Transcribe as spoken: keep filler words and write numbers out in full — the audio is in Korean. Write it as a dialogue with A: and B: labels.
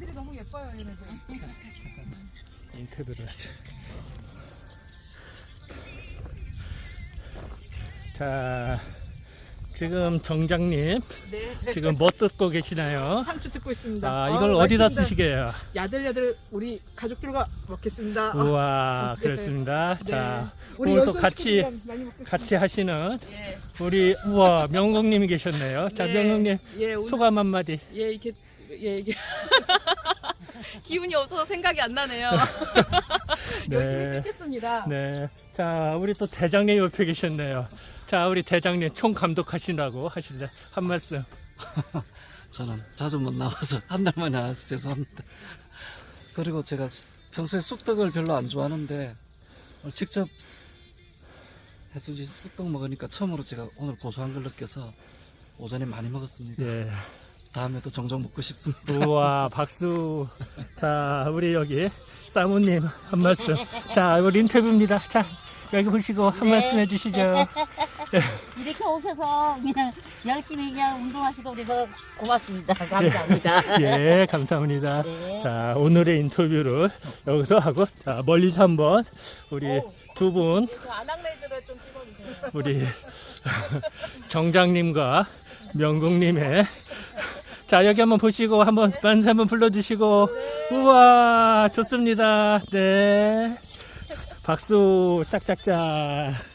A: 애들이 너무 예뻐요, 얘네들.
B: 인터뷰를 하죠. 자, 지금 정장님
A: 네.
B: 지금 뭐 뜯고 계시나요?
A: 상추 듣고 있습니다.
B: 아, 이걸
A: 어,
B: 어디다
A: 맛있습니다.
B: 쓰시게요?
A: 야들야들 우리 가족들과 먹겠습니다.
B: 우와,
A: 네.
B: 그렇습니다.
A: 네.
B: 자,
A: 우리
B: 오늘 또
A: 연수
B: 같이
A: 식구들이랑 많이 먹겠습니다.
B: 같이 하시는
C: 예,
B: 우리 우와 명국님이 계셨네요. 자,
C: 네.
B: 명국님
C: 예, 오늘,
B: 소감 한마디.
C: 예, 이렇게, 예, 이게. 기운이 없어서 생각이 안 나네요. 열심히 뜯겠습니다.
B: 네. 자, 우리 또 대장님 옆에 계셨네요. 자, 우리 대장님 총 감독하시라고 하실래? 한 말씀.
D: 저는 자주 못 나와서 한 달 만에 나와서 죄송합니다. 그리고 제가 평소에 쑥떡을 별로 안 좋아하는데 오늘 직접 해주신 쑥떡 먹으니까 처음으로 제가 오늘 고소한 걸 느껴서 오전에 많이 먹었습니다.
B: 예.
D: 다음에도 종종 먹고 싶습니다.
B: 우와, 박수. 자, 우리 여기 사모님 한 말씀. 자, 우리 인터뷰입니다. 자, 여기 보시고 한
E: 네.
B: 말씀 해주시죠.
E: 이렇게 오셔서 그냥 열심히 그냥 운동하시고 그래서 고맙습니다. 감사합니다.
B: 예, 감사합니다.
E: 네.
B: 자, 오늘의 인터뷰를 여기서 하고, 자, 멀리서 한번 우리 두 분,
C: 저 아낙네들을 좀 찍어주세요.
B: 우리 정장님과 명국님의 자, 여기 한번 보시고 한번 만세 한번 불러주시고. 우와, 좋습니다. 네. 박수 짝짝짝.